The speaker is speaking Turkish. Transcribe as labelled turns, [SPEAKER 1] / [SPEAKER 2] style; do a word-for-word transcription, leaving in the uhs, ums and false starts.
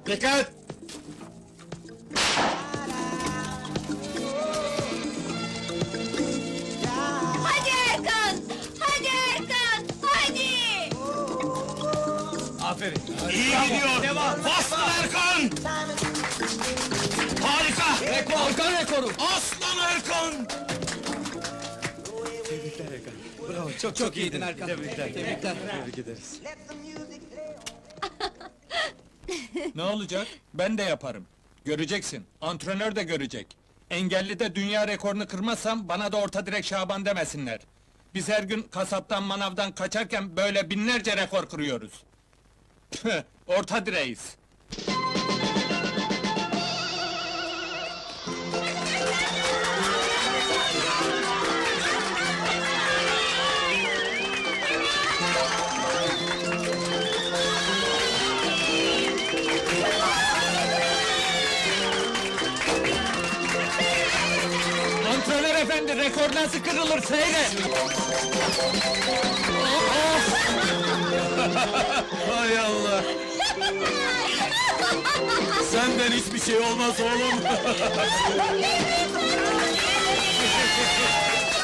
[SPEAKER 1] Dikkat!
[SPEAKER 2] Hadi Erkan! Hadi Erkan! Hadi!
[SPEAKER 1] Aferin.
[SPEAKER 3] İyi gidiyor.
[SPEAKER 1] Devam.
[SPEAKER 3] Aslan Erkan. Harika.
[SPEAKER 1] Rekor. Erkan rekoru.
[SPEAKER 3] Aslan Erkan.
[SPEAKER 1] Tebrikler Erkan. Bravo, çok çok, iyiydin Erkan. Tebrikler. Tebrikler. Tebrik ederiz.
[SPEAKER 4] Ne olacak? Ben de yaparım. Göreceksin. Antrenör de görecek. Engelli de dünya rekorunu kırmazsam bana da orta direk Şaban demesinler. Biz her gün kasaptan manavdan kaçarken böyle binlerce rekor kırıyoruz. Tüh, orta direğiz. Antrenör efendi, rekor nasıl kırılır seyret!
[SPEAKER 1] Hay Allah! Senden hiçbir şey olmaz oğlum!